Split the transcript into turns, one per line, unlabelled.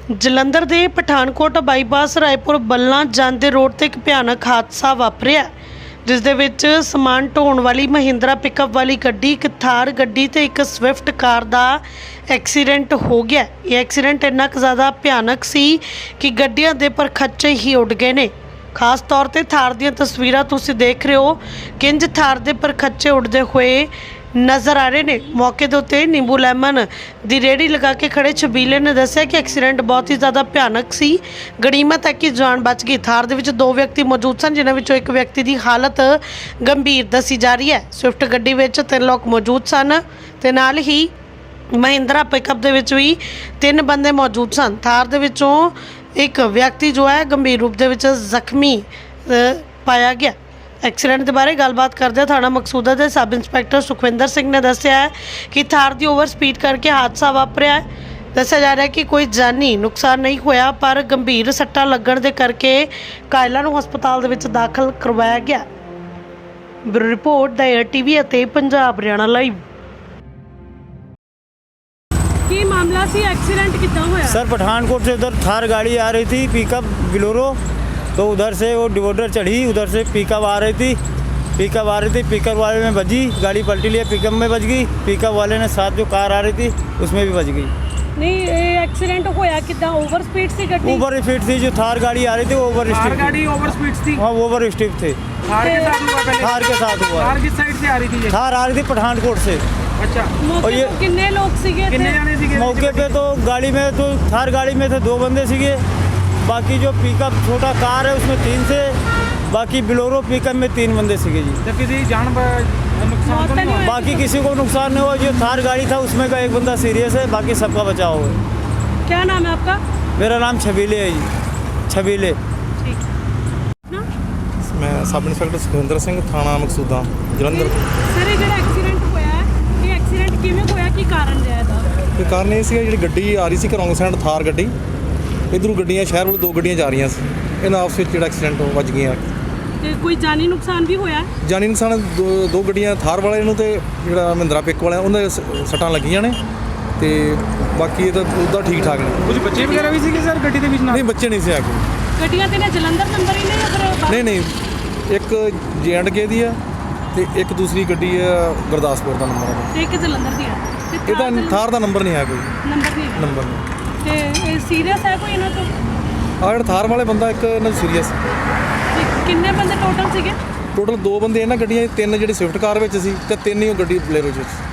ਜਲੰਧਰ ਦੇ ਪਠਾਨਕੋਟ ਬਾਈਪਾਸ ਰਾਏਪੁਰ ਬੱਲਾਂ ਜਾਂਦੇ ਰੋਡ ਤੇ ਇੱਕ ਭਿਆਨਕ ਹਾਦਸਾ ਵਾਪਰਿਆ ਜਿਸ ਦੇ ਵਿੱਚ ਸਮਾਨ ਢੋਣ ਵਾਲੀ ਮਹਿੰਦਰਾ ਪਿਕਅਪ ਵਾਲੀ ਗੱਡੀ, ਇੱਕ ਥਾਰ ਗੱਡੀ ਤੇ ਇੱਕ ਸਵਿਫਟ ਕਾਰ ਦਾ ਐਕਸੀਡੈਂਟ ਹੋ ਗਿਆ। ਇਹ ਐਕਸੀਡੈਂਟ ਇੰਨਾ ਕੁ ਜ਼ਿਆਦਾ ਭਿਆਨਕ ਸੀ ਕਿ ਗੱਡੀਆਂ ਦੇ ਪਰਖੱਚੇ ਹੀ ਉੱਡ ਗਏ ਨੇ। ਖਾਸ ਤੌਰ ਤੇ ਥਾਰ ਦੀਆਂ ਤਸਵੀਰਾਂ ਤੁਸੀਂ ਦੇਖ ਰਹੇ ਹੋ, ਕਿੰਜ ਥਾਰ ਦੇ ਪਰਖੱਚੇ ਉੱਡਦੇ ਹੋਏ ਨਜ਼ਰ आ रहे ने। मौके के उत्ते नींबू लैमन की रेहड़ी लगा के खड़े छबीले ने दस्सिया कि एक्सीडेंट बहुत ही ज़्यादा भयानक सी। गनीमत है कि जान बच गई। थार दे विच दो व्यक्ति मौजूद सन जिन्हां विचों एक व्यक्ति की हालत गंभीर दसी जा रही है। स्विफ्ट गड्डी विच 3 लोग मौजूद सन ते नाल ही महिंद्रा पिकअप दे विच भी 3 बंदे मौजूद सन। थार दे विचों एक व्यक्ति जो है गंभीर रूप दे विच जख्मी पाया गया। एक्सीडेंट के बारे गलबात करते थाना मकसूदा के सब इंस्पैक्टर सुखविंदर सिंह ने दस्सिया है कि थार की ओवर स्पीड करके हादसा वापरिया है। दस्सिया जा रहा है कि कोई जानी नुकसान नहीं होया, पर गंभीर सट्टा लगन के करके घायलों को हस्पताल दे विच दाखिल करवाया गया। Bureau report the air TV ਅਤੇ पंजाब हरियाणा लाइव। की मामला सी एक्सीडेंट कितना होया?
सर पठानकोट से उधर थार गाड़ी आ रही थी, पिकअप बिलोरो, तो उधर से वो डिवोडर चढ़ी, उधर से पिकअप आ रही थी, पिकअप वाले में बजी, गाड़ी पलटी लिया, पिकअप में बज गई, पिकअप वाले ने साथ जो कार आ रही थी उसमें भी बज गई।
नहीं एक्सीडेंट होया कितना? ओवर स्पीड सी गड्डी?
ओवर स्पीड थी, जो थार गाड़ी आ रही थी वो ओवर स्पीड
गाड़ी ओवर स्पीड थी।
हाँ ओवर स्पीड थे।
थार के साथ हुआ पहले?
थार के साथ हुआ।
थार किस साइड से आ रही थी ये?
थार आ रही थी पठानकोट से।
अच्छा,
और ये
कितने लोग सीगे?
कितने जाने सीगे
मौके पे? तो गाड़ी में तो थार गाड़ी में थे 2 बंदे सीगे, बाकी जो पिकअप छोटा कार है उसमें 3 से, बाकी बिलोरो पिकअप में 3 बंदे सीगे जी।
तो किसी जान नुकसान तो नहीं हुआ?
बाकी किसी को नुकसान नहीं हुआ। जो थार गाड़ी था उसमें का एक बंदा सीरियस है, बाकी सबका बचाव है।
क्या नाम है आपका?
मेरा नाम छबीले है जी, छबीले।
मैं सब इंस्पैक्टर सुखविंदर सिंह, थाना मकसूदा जलंधर।
सर ये एक्सीडेंट होया है, ये एक्सीडेंट किवें होया, की कारण रहा ਇਹਦਾ?
ਤੇ ਕਾਰਨ ਇਹ ਸੀਗਾ, ਜਿਹੜੀ ਗੱਡੀ ਆ ਰਹੀ ਸੀ ਘਰੋਂ ਸਾਈਡ ਥਾਰ ਗੱਡੀ, ਇਧਰੋਂ ਗੱਡੀਆਂ ਸ਼ਹਿਰ ਵੱਲ 2 ਗੱਡੀਆਂ ਜਾ ਰਹੀਆਂ ਸੀ, ਇਹਨਾਂ ਆਪਸ ਵਿੱਚ ਜਿਹੜਾ ਐਕਸੀਡੈਂਟ ਵੱਜ ਗਈਆਂ।
ਤੇ ਕੋਈ ਜਾਨੀ ਨੁਕਸਾਨ ਵੀ ਹੋਇਆ?
ਜਾਨੀ ਨੁਕਸਾਨ 2 ਗੱਡੀਆਂ ਥਾਰ ਵਾਲੇ ਨੂੰ ਤੇ ਜਿਹੜਾ ਮਹਿੰਦਰਾ ਪਿਕ ਵਾਲਾ ਉਹਨਾਂ ਦੇ ਸੱਟਾਂ ਲੱਗੀਆਂ ਨੇ, ਤੇ ਬਾਕੀ ਇਹ ਤਾਂ ਉਹਦਾ ਠੀਕ ਠਾਕ ਨੇ।
कुछ बच्चे वगैरह भी सीगे सर गड्डी ਦੇ ਵਿੱਚ?
ਨਹੀਂ ਬੱਚੇ ਨਹੀਂ ਸੀ ਆ ਕੇ।
ਗੱਡੀਆਂ ਤੇ ਨੇ ਜਲੰਧਰ ਨੰਬਰ ਹੀ ਨੇ ਅਗਰ?
ਨਹੀਂ ਇੱਕ J&K ਦੀ ਆ ਤੇ ਇੱਕ ਦੂਸਰੀ ਗੱਡੀ ਆ ਗੁਰਦਾਸਪੁਰ ਦਾ ਨੰਬਰ ਆ।
ਤੇ ਇੱਕ ਜਲੰਧਰ ਦੀ ਹੈ ਤੇ
ਇਹਦਾ ਥਾਰ ਦਾ ਨੰਬਰ ਨਹੀਂ ਆ ਕੋਈ।
ਨੰਬਰ ਨਹੀਂ ਹੈ।
ਨੰਬਰ ਨਹੀਂ।
ਤੇ ਇਹ ਸੀਰੀਅਸ ਹੈ ਕੋਈ ਇਹਨਾਂ ਤੋਂ?
ਆ ਜਿਹੜਾ ਥਾਰ ਵਾਲੇ ਬੰਦਾ ਇੱਕ ਇਹਨਾਂ ਸੀਰੀਅਸ।
ਤੇ ਕਿੰਨੇ ਬੰਦੇ ਟੋਟਲ ਸੀਗੇ?
ਟੋਟਲ 2 ਬੰਦੇ ਇਹਨਾਂ ਗੱਡੀਆਂ 'ਚ, 3 ਜਿਹੜੇ ਸਵਿਫਟ ਕਾਰ ਵਿੱਚ ਸੀ ਤੇ 3 ਹੀ ਉਹ ਗੱਡੀ ਬਲੇਰੋ 'ਚ ਸੀ।